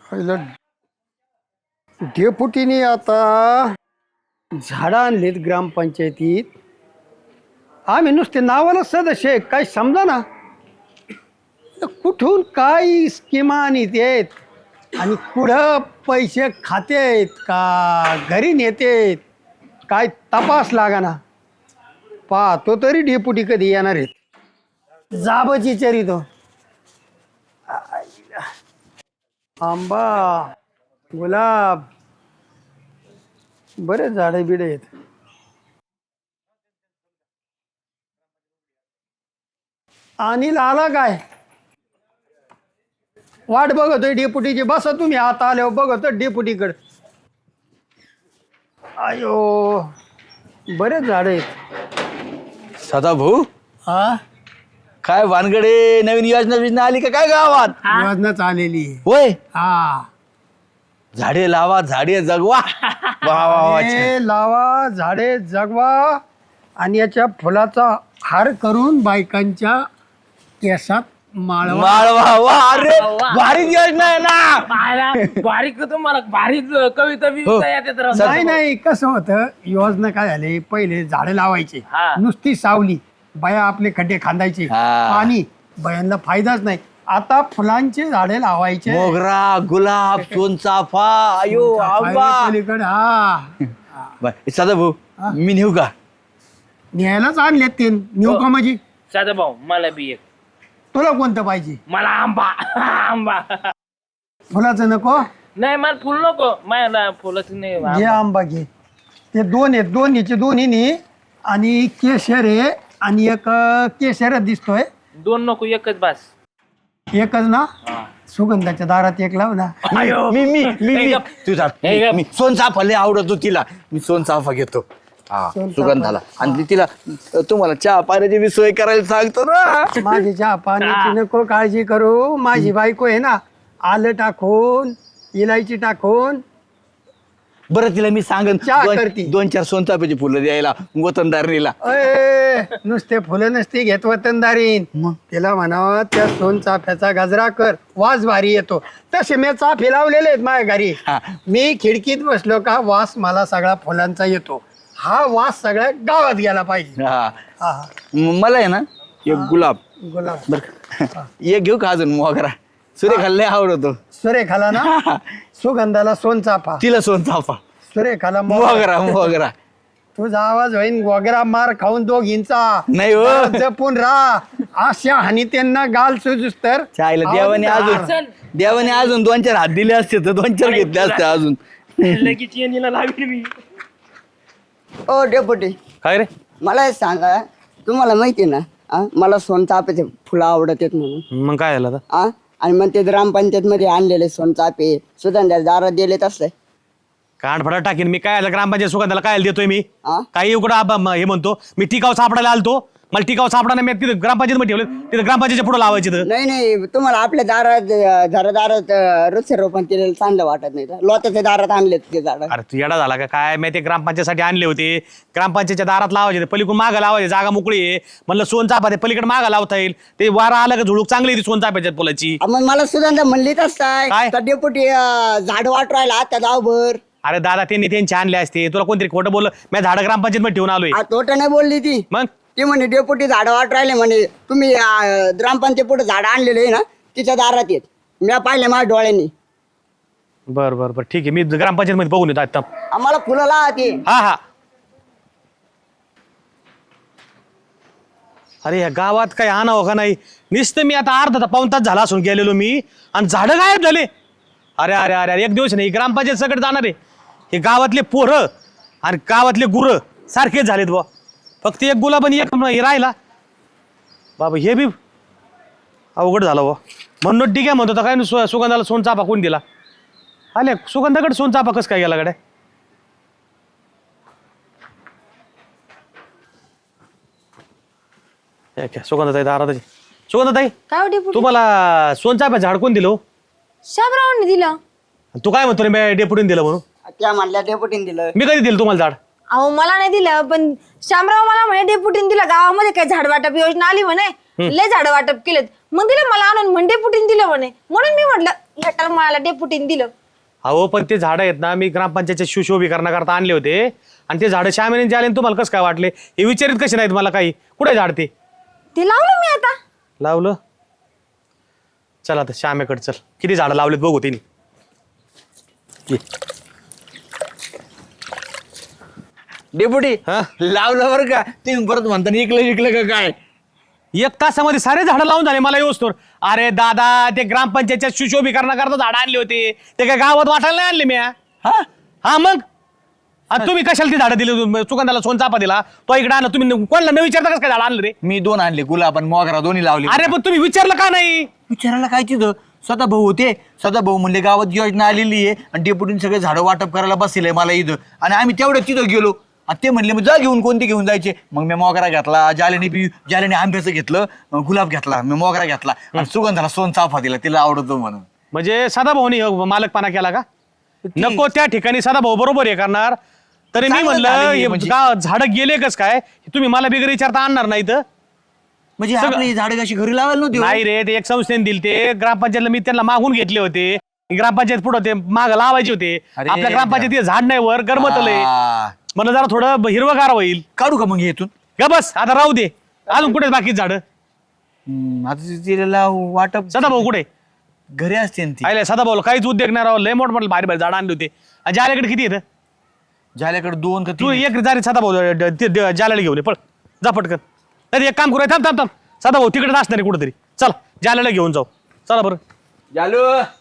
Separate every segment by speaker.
Speaker 1: पहिलं डेपुटीने आता झाडं आणलीत ग्रामपंचायतीत. आम्ही नुसते नावाला सदस्य आहे, काही समजा ना कुठून काय स्कीमा आणीत आहेत आणि कुठं पैसे खातेत का घरी नेतेत काय तपास लागा ना. पाहतो तरी डेपुटी कधी येणार आहेत. जाबची चरितो आंबा गुलाब बरेच झाडे बिडे आहेत. अनिल आला काय? वाट बघतोय डेपुटीची. बसा तुम्ही आता आल्यावर बघतो डेपुटीकडे. आयो बरेच झाड आहेत.
Speaker 2: सदाभाऊ
Speaker 1: हा
Speaker 2: काय वानगडे नवीन योजना आली का काय गावात?
Speaker 1: योजनाच आलेली आहे.
Speaker 2: होय
Speaker 1: हा
Speaker 2: झाडे लावा झाडे जगवा. वा वा वा छान.
Speaker 1: झाडे लावा झाडे जगवा आणि याच्या फुलाचा हार करून बायकांच्या केसात माळवा.
Speaker 2: माळवा वा अरे भारीच योजना आहे ना.
Speaker 3: बारीक तुम्हाला भारीच कविता
Speaker 2: हो.
Speaker 3: बिविता येतात राव.
Speaker 1: नाही नाही कसं होतं योजना काय झाली पहिले झाडं लावायचे
Speaker 3: हा.
Speaker 1: नुसती सावली बाया आपले खड्डे खांदायचे
Speaker 2: हा.
Speaker 1: पाणी बायांना फायदाच नाही. आता फुलांचे झाडे लावायचे
Speaker 2: मोगरा गुलाब सोनचाफा आयो आंबा.
Speaker 1: पलीकडे हा
Speaker 2: सदाभाऊ
Speaker 1: हा.
Speaker 2: मी नेऊ का?
Speaker 1: न्यायलाच आणलेत ते नेऊ का माझी.
Speaker 3: साधा भाऊ मला बी एक.
Speaker 1: तुला कोणतं पाहिजे?
Speaker 3: मला आंबा आंबा.
Speaker 1: फुलाचं नको.
Speaker 3: नाही मला फुल नको. मला फुलच नाही.
Speaker 1: घे आंबा घे. ते दोन आहेत दोन्हीचे दोन्ही आणि केशर आहे आणि एक केशर दिसतोय.
Speaker 3: दोन नको एकच बास.
Speaker 1: एकच ना. सुगंधाच्या दारात एक लाव ना.
Speaker 2: मी मी मी
Speaker 3: हे
Speaker 2: मी
Speaker 3: गप.
Speaker 2: तुझा
Speaker 3: हे गप.
Speaker 2: मी सोनचाफा लय आवडतो तिला. मी सोनचाफा घेतो. हा
Speaker 1: सोनचाफा.
Speaker 2: सुगंधाला आणि तिला तुम्हाला चहा पाण्याची मी सोय करायला सांगतो ना.
Speaker 1: माझी चहा पाण्याची नको काळजी करू. माझी बायको आहे ना आलं टाकून इलायची टाकून
Speaker 2: बरं तिला मी सांगन
Speaker 1: चहा करती.
Speaker 2: दोन चार सोनचाफ्याची फुलं द्यायला वतनदारणीला.
Speaker 1: अय नुसते फुलं नसती घेत वतनदारीन. तिला म्हणावं त्या सोनचाफ्याचा गजरा कर वास भारी येतो. तसे मी चाफे लावलेले आहेत माझ्या घरी.
Speaker 2: हा.
Speaker 1: मी खिडकीत बसलो का वास मला सगळा फुलांचा येतो. हा वास सगळ्या गावात गेला पाहिजे.
Speaker 2: हा
Speaker 1: हा
Speaker 2: मला आहे ना एक गुलाब
Speaker 1: गुलाब
Speaker 2: बर एक घेऊ का अजून मोगरा? सुरेखाला लय आवडतो.
Speaker 1: सुरेखाला ना सुगंधाला सोनचाफा
Speaker 2: तिला सोनचाफा
Speaker 1: सुरेखाला
Speaker 2: मोगरा मोगरा.
Speaker 1: तुझा आवाज होईन वगैरे मार खाऊन दोघींचा.
Speaker 2: नाही हो.
Speaker 1: जपून राहा अशा हानी त्यांना गाल सुजूस तर
Speaker 2: चायला देवाने अजून दोन चार हात दिले असते तर दोन चार घेतले असते अजून.
Speaker 3: लगेच येणीला लावली मी.
Speaker 4: ओ डेपुटी
Speaker 2: काय रे?
Speaker 4: मला हे सांगा तुम्हाला माहिती आहे ना मला सोनचाफेचे फुलं आवडत आहेत म्हणून
Speaker 2: मग काय झालं आता?
Speaker 4: आणि मग ते ग्रामपंचायत मध्ये आणलेले सोनचाफे सुगंधा दारात दिलेत असले
Speaker 5: कानफडा टाकीन मी. काय ग्रामपंचायत सुगंधाला काय देतोय मी?
Speaker 4: हा?
Speaker 5: काही उकडं हे म्हणतो मी टिकाव सापडायला आलतो. मला टिकाव सापडा मी तिथे ग्रामपंचायत मध्ये ठेवलं. तिथे ग्रामपंचायतच्या पुढे लावायचे तर.
Speaker 4: नाही तुम्हाला आपल्या दारात वृक्षारोपण केलेलं चांगलं वाटत नाही का? लोत्याच्या दारात आणलेत ते झाड.
Speaker 5: अरे तू येडा झाला का काय? मी ते ग्रामपंचायतसाठी आणले होते. ग्रामपंचायतच्या दारात लावायचे पलीकडून मागं लावायचे. जागा मोकळी आहे म्हणलं सोनचाफा ते पलीकडे मागं लावता येईल. ते वारा आलं का झुळूक चांगली ती सोनचाफ्याच्या फुलाची.
Speaker 4: मग मला सुगंधा म्हणलीच असताय
Speaker 5: काय?
Speaker 4: का डेपुटी झाड वाट राहिला त्या गावभर.
Speaker 5: अरे दादा त्यांनी त्यांचे आणले असते. तुला कोणतरी खोटं बोललं. मी झाड ग्रामपंचायत मध्ये ठेवून आलोय.
Speaker 4: तोट नाही बोलली ती.
Speaker 5: मग
Speaker 4: ती म्हणे डेपुटी झाड वाट राहिले म्हणे तुम्ही ग्रामपंचायत पुढे झाड आणलेले आहे ना तिच्या दारात येत. मी पाहिले माझ्या डोळ्यांनी.
Speaker 5: बरं बरं बरं ठीक आहे. मी ग्रामपंचायत मध्ये बघून येतो आता.
Speaker 4: आम्हाला फुलं लावा ती.
Speaker 5: हा हा. अरे या गावात काही आणावं का नाही? नुसतं मी आता अर्धा पाऊण तास झाला असून गेलेलो मी आणि झाडं गायब झाले. अरे अरे अरे अरे एक दिवस नाही ग्रामपंचायत सगळं जाणार आहे. हे गावातले पोरं आणि गावातले गुरं सारखेच झालेत बा. फक्त एक गुलाब आणि एक हे राहिला बाबा. हे बी अवघड झालं बा. म्हणून ठीक आहे म्हणतो तर काय सुगंधाला सोनचाफा कोण दिला? आले सुगंधाकडे सोनचाफा कसं काय गेला कडे? सुगंधाताई दारात. सुगंधाताई
Speaker 6: काय डेपुटी?
Speaker 5: तुम्हाला सोनचाफ्या झाड कोण दिलं हो?
Speaker 6: शामरावांनी दिलं.
Speaker 5: तू काय म्हणतो रे मी डेपुटीने दिलं म्हणून?
Speaker 4: त्या म्हणल्या डेपुटीने दिलं.
Speaker 5: मी कधी दिलं तुम्हाला झाड?
Speaker 6: अहो मला नाही दिलं, पण शामराव मला म्हणे डेपुटीने दिलं, गावामध्ये काय झाड वाटप योजना आली म्हणे, लय झाड वाटप केलेत, मग दिलं मला आणून म्हणे डेपुटीने दिलं म्हणे, म्हणून मी म्हटलं ह्या टर्माला डेपुटीने दिलं.
Speaker 5: अहो पण ते झाडं आहेत ना, मी ग्रामपंचायतच्या सुशोभीकरणाकरता आणले होते आणि ते झाडं श्यामेने जे आले ना, तुम्हाला कसं काय वाटले? हे विचारित कसे नाहीत मला काही? कुठे झाड ते
Speaker 6: लावलं मी आता.
Speaker 5: लावलं? चल आता श्यामेकडे चल, किती झाडं लावलेत बघू तिने.
Speaker 2: डेपुटी
Speaker 5: हा?
Speaker 2: लावलं बरं का तुम्ही परत म्हणता इकलं का काय?
Speaker 5: 1 तासामध्ये सारे झाडं लावून झाले मला येऊस्तोवर. अरे दादा, ते ग्रामपंचायतच्या सुशोभीकरणाकरता झाडं आणली होती, ते काय गावात वाटायला नाही आणले मी. हा मग तुम्ही कशाला ती झाडं दिली? सुगंधाला सोनचाफा दिला, तो इकडे आणला, तुम्ही कोणाला न विचारता कसं काय झाडं आणलं रे?
Speaker 2: मी 2 आणले, गुलाब आणि मोगरा दोन्ही लावले.
Speaker 5: अरे पण तुम्ही विचारलं का नाही?
Speaker 2: विचारायला काय तिथं सदाभाऊ होते, सदाभाऊ म्हणले गावात योजना आलेली आहे आणि डेपुटीने सगळे झाडं वाटप करायला बसले मला इथं, आणि आम्ही तेवढ्या तिथं गेलो आणि ते म्हणले मग जा घेऊन, कोणते घेऊन जायचे? मग मी मोगरा घेतला, जाल्याने आंब्याचं घेतलं, गुलाब घेतला, मी मोगरा घेतला आणि सुगंधाला सोनचाफा दिला, तिला आवडतो म्हणून.
Speaker 5: म्हणजे सदाभाऊनी मालकपणा केला का? नको त्या ठिकाणी सदाभाऊ बरोबर हे करणार. तरी मी
Speaker 2: चांगलं
Speaker 5: म्हणलं
Speaker 2: झालं हे
Speaker 5: हे
Speaker 2: म्हणजे.
Speaker 5: झाडं गेले कस काय? तुम्ही मला बिगर विचारता आणणार नाही तर?
Speaker 2: म्हणजे आपली झाडं कशी घरी लावायला नव्हती?
Speaker 5: नाही रे, ते एक संस्थेने दिले, ते ग्रामपंचायतला मी त्यांना मागून घेतले होते. ग्रामपंचायत पुढे ते माग लावायचे होते.
Speaker 2: अरे
Speaker 5: आपल्या ग्रामपंचायतीत झाड नाही, वर गरमतलंय, मला जरा थोडं हिरवगार होईल.
Speaker 2: काढू का मग हे इथून?
Speaker 5: का बस आता राहू दे, अजून कुठे बाकी झाड?
Speaker 2: आता तिला वाटप
Speaker 5: सदाभाऊ कुठे?
Speaker 2: घरी असते ना ती.
Speaker 5: आयला सदाभाऊ काहीच उद्योग नाही राव, लय मोठमोठे भारी भारी झाड आणले होते. आणि जाल्याकडे किती येतं?
Speaker 2: झाल्याकडे 2 का
Speaker 5: तू
Speaker 2: 3.
Speaker 5: एक जारी सदाभाऊ जाल्याला घेऊन ये, पळ जा पटकन. नाही एक काम करूया, थांब थांब थांब, सदाभाऊ तिकडेच असणार आहे कुठेतरी, चल जाल्याला घेऊन जाऊ. चला बरं.
Speaker 2: जालू,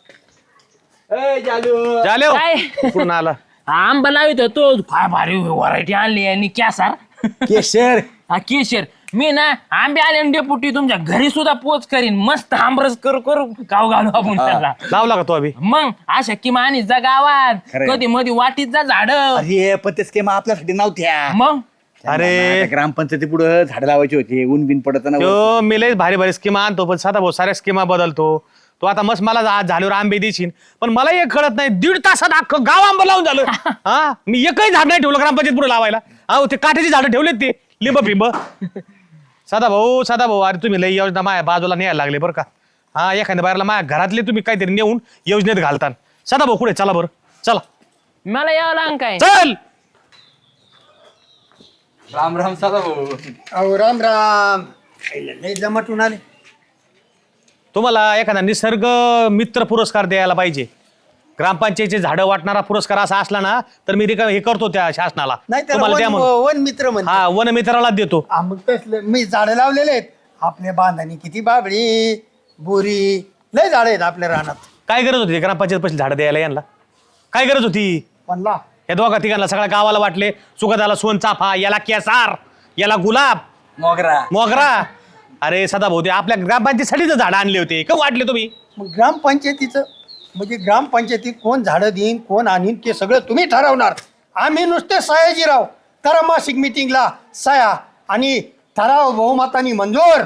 Speaker 2: ए जालू,
Speaker 5: जाले
Speaker 3: काय?
Speaker 5: कुठून आला?
Speaker 3: आंबा लावित होतो, काय भारी व्हरायटी आणली आणि कॅसार
Speaker 2: केशर.
Speaker 3: हा केशर. मी ना आंबे आले आणि डेपुटी तुमच्या घरी सुद्धा पोच करीन, मस्त आंबरस करू गाव घालू आपण त्याला.
Speaker 5: लावला का तो अभि?
Speaker 3: मग अशा किमानी जा गावात,
Speaker 2: खरंय.
Speaker 3: कधी मध्ये वाटीत जा झाड.
Speaker 2: अरे पण ते स्कीमा आपल्यासाठी नव्हत्या.
Speaker 3: मग
Speaker 5: अरे
Speaker 2: ग्रामपंचायती पुढे झाडं लावायची होती, ऊन बिन पडत ना.
Speaker 5: तो मी लय भारी भारी स्कीमा आणतो, पण सदाभाऊ साऱ्या स्कीमा बदलतो. तो आता मस्त मला झाल्यावर आंबे देशील, पण मला एक कळत नाही, 1.5 तासात अख्खं गाव आंबा लावून झालं. हा, मी एकही झाड नाही ठेवलं ग्रामपंचायत पुढे लावायला. अहो ते काठ्याची झाडं ठेवलेत, ते लिंब फिंब. सदाभाऊ अरे तुम्ही लय योजना माझ्या बाजूला न्यायला लागले बरं का. हा, एखाद्या बाहेरला माझ्या घरातले तुम्ही काहीतरी नेऊन योजनेत घालता. सदाभाऊ कुठे? चला बरं चला.
Speaker 3: मला यावं लागेल काय?
Speaker 5: चल.
Speaker 2: राम राम सदाभाऊ.
Speaker 1: अहो राम राम, लय जमटून आले.
Speaker 5: तुम्हाला एखादा निसर्ग मित्र पुरस्कार द्यायला पाहिजे. ग्रामपंचायतीचे झाडं वाटणारा पुरस्कार असा असला ना, तर मी हे करतो त्या शासनाला.
Speaker 1: नाही तर
Speaker 5: तुम्हाला द्या म्हणून.
Speaker 1: वन मित्र म्हणते.
Speaker 5: हा, वन मित्राला देतो.
Speaker 1: मग तसलं मी झाडं लावलेले आहेत आपल्या बांधानी, किती बाबळी बोरी लय झाडं आहेत आपल्या रानात.
Speaker 5: काय गरज होती ग्रामपंचायत पैसे झाडं द्यायला यांना? काय गरज होती?
Speaker 1: म्हणला
Speaker 5: या दोघा तिघांना सगळ्या गावाला वाटले. सुगंधाला सोनचाफा, याला केसार, याला गुलाब, मोगरा. अरे सदाभाऊ, ते आपल्या ग्रामपंचायतीसाठीच झाडं आणले होते, का वाटले तुम्ही?
Speaker 1: मग ग्रामपंचायतीचं म्हणजे ग्रामपंचायतीत कोण झाडं देईन कोण आणीन ते सगळं तुम्ही ठरवणार. आम्ही नुसते सयाजीराव, करा मासिक मिटिंगला सया आणि ठराव बहुमतानी मंजूर.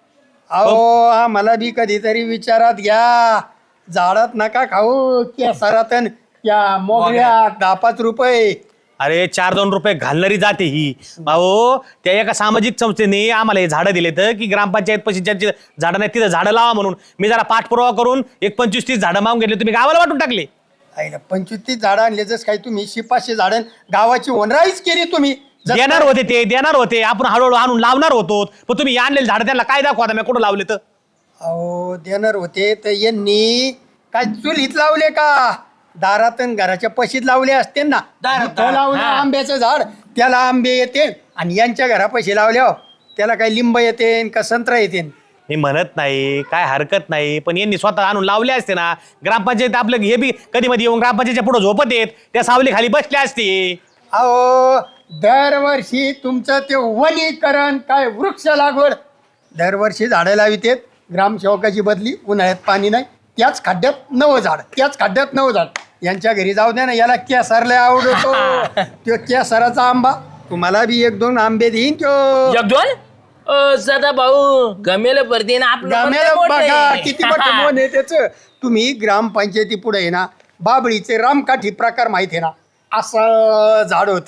Speaker 1: अहो आम्हाला बी कधीतरी विचारात घ्या. झाडात नका खाऊ केसारात त्या मोगऱ्यात 10-5 रुपये.
Speaker 5: अरे 4-2 रुपये घालणारी जाते ही. अहो त्या एका सामाजिक संस्थेने आम्हाला हे झाडं दिले तर की ग्रामपंचायत पैसे ज्यांची झाडं नाही तिथं झाडं लावा म्हणून. मी जरा पाठपुरावा करून 25-30 झाडं मागून घेतले, तुम्ही गावाला वाटून टाकले.
Speaker 1: 25-30 झाडं आणले, जसं काही तुम्ही 500 झाडं गावाची ओनराईच केली तुम्ही.
Speaker 5: देणार होते आपण हळूहळू आणून लावणार होतो, पण तुम्ही आणलेले झाडं त्यांना काय दाखवा मी कुठं लावले तर?
Speaker 1: अहो देणार होते तर यांनी काय चुलीत लावले का? दारात घराच्या पशीत लावले असते ना. इथं लावलं आंब्याचं झाड, त्याला आंबे येते, आणि यांच्या घरापाशी लावल्यावर त्याला काही लिंब येते का संत्रा येते.
Speaker 5: मी म्हणत नाही, काय हरकत नाही, पण यांनी स्वतः आणून लावले असते ना. ग्रामपंचायत आपलं हे बी कधी मध्ये येऊन ग्रामपंचायतच्या पुढे झोपत येत, त्या सावली खाली बसले असते.
Speaker 1: अहो दरवर्षी तुमचं ते वनीकरण काय वृक्ष लागवड दरवर्षी झाडं लावितेत. ग्रामसेवकाची बदली, उन्हाळ्यात पाणी नाही, त्याच खड्ड्यात नवं झाड. यांच्या घरी जाऊ द्या ना, याला केसरला आवडतो. तो केसराचा आंबा तुम्हाला बी 1-2 आंबे देईन तो.
Speaker 3: 1-2 सदा भाऊ गमेल भरते ना
Speaker 1: गाम्याला बघा
Speaker 3: आपलं.
Speaker 1: किती मोठं मन आहे त्याचं. तुम्ही ग्रामपंचायती पुढे आहे ना, बाबळीचे रामकाठी प्रकार माहिती आहे ना, असं झाड होतं.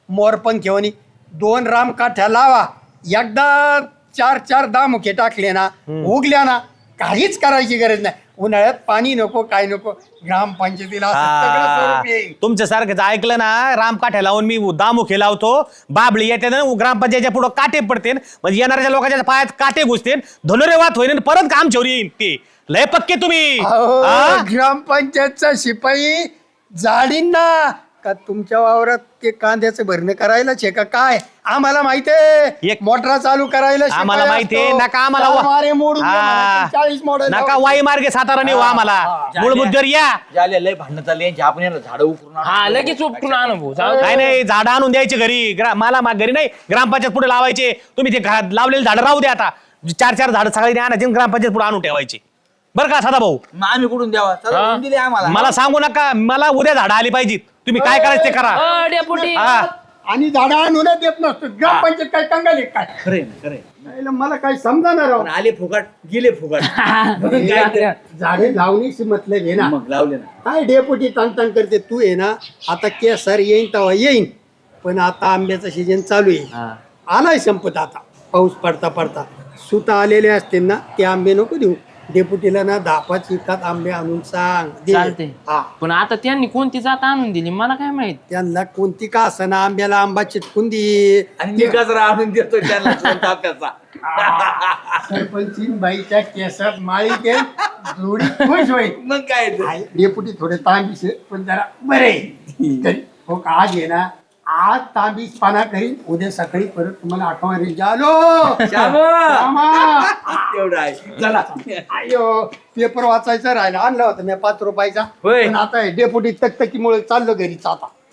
Speaker 1: मोरपंख घेऊन 2 रामकाठ्या लावा, एकदा 4 दामुखे टाकले ना, उगल्या ना, काहीच करायची गरज नाही. उन्हाळ्यात पाणी नको, काय नको, ग्रामपंचायतीला असं सगळं स्वरूप येईल.
Speaker 5: तुमच्या सारखं ऐकलं ना, रामकाठ्या लावून मी दामुखे लावतो, बाबळी येते ना ग्रामपंचायतीच्या पुढे काटे पडते, म्हणजे येणाऱ्या लोकांच्या पायात काटे घुसते, धनुर्वात होईन, परत काम चोरी येईन. ते लय पक्के तुम्ही.
Speaker 1: अहो,
Speaker 5: हा?
Speaker 1: ग्रामपंचायतचा शिपाई जाडीन ना का तुमच्या वावरात ते कांद्याचं भरणं करायलाच आहे का काय? आम्हाला माहितीये
Speaker 5: एक-
Speaker 1: मोटरा चालू करायला
Speaker 5: आम्हाला
Speaker 1: शिपाई
Speaker 5: माहितीये,
Speaker 1: असतो.
Speaker 5: नका आम्हाला
Speaker 1: तलवारी मोडून द्या
Speaker 5: हा.
Speaker 1: म्हणायची, 40 मॉडेल
Speaker 5: नका वाई मार्गे सातारा नेऊ आम्हाला. मूलभूत जर या
Speaker 2: झाले लय भांडणं चालली यांची, आपण यांना झाडं उकरून आणू.
Speaker 3: हा लगेच उपटून आणू भाऊ जाऊ दे.
Speaker 5: काय नाही, झाडं आणून द्यायचे घरी. मला घरी नाही, ग्रामपंचायत पुढे लावायचे. तुम्ही ते घरात लावलेले झाडं राहू द्या. आता 4 झाडं सगळी आणायची आणि ग्रामपंचायत पुढे आणून ठेवायची. बरं का सदा भाऊ?
Speaker 2: मग आम्ही कुठून द्यावा? चला,
Speaker 3: हा.
Speaker 2: देऊन दिले आम्हाला.
Speaker 5: मला सांगू नका, मला उद्या झाडं आली पाहिजेत. तुम्ही काय करायचं ते करा.
Speaker 3: डेपुटी
Speaker 5: हा.
Speaker 1: आणि झाडं आणून देत नसतो. ग्रामपंचायत काय कंगाल आहे काय?
Speaker 2: खरे खरे
Speaker 1: नाही, मला काय समजाणार राव.
Speaker 2: पण आले फुकट गेले फुकट.
Speaker 1: झाडे लावणीशी मतलब आहे ना.
Speaker 2: मग लावले ना.
Speaker 1: काय डेपुटी ताण करते तू आहे ना. आता केसर येईन तेव्हा येईन, पण आता आंब्याचा सीजन चालू आहे. आलाय संपत आता. पाऊस पडता पडता सुता आलेले असते ना, ते आंबे नको देऊ. डेपुटीला ना 10-5 एकात आंबे आणून सांग दे.
Speaker 3: चालते
Speaker 1: हा,
Speaker 3: पण आता त्यांनी कोणती जात आणून दिली मला काय माहित.
Speaker 1: त्यांना कोणती का असना आंब्याला आंबा चिटकून दे.
Speaker 2: आणि मी गजरा आणून देतो त्यांना ताप्याचा.
Speaker 1: सरपंचीन बाईच्या केसात माळी ते जोडी खुश होईल.
Speaker 2: मग काय ते?
Speaker 1: आहे, डेपुटी थोडे तांबीस आहे, पण जरा बरे आहे. हो का, आज आहे ना, आज तांबीस पाना करीन, उद्या सकाळी परत तुम्हाला आठवण येईल. जालो
Speaker 2: श्यामा! एवढं आहे. चला.
Speaker 1: अयो, पेपर वाचायचा राहिला, आणला होता मी 5 रुपयाचा.
Speaker 2: होय.
Speaker 1: पण आता डेपुटी तकतकीमुळे चाललो घरीच आता.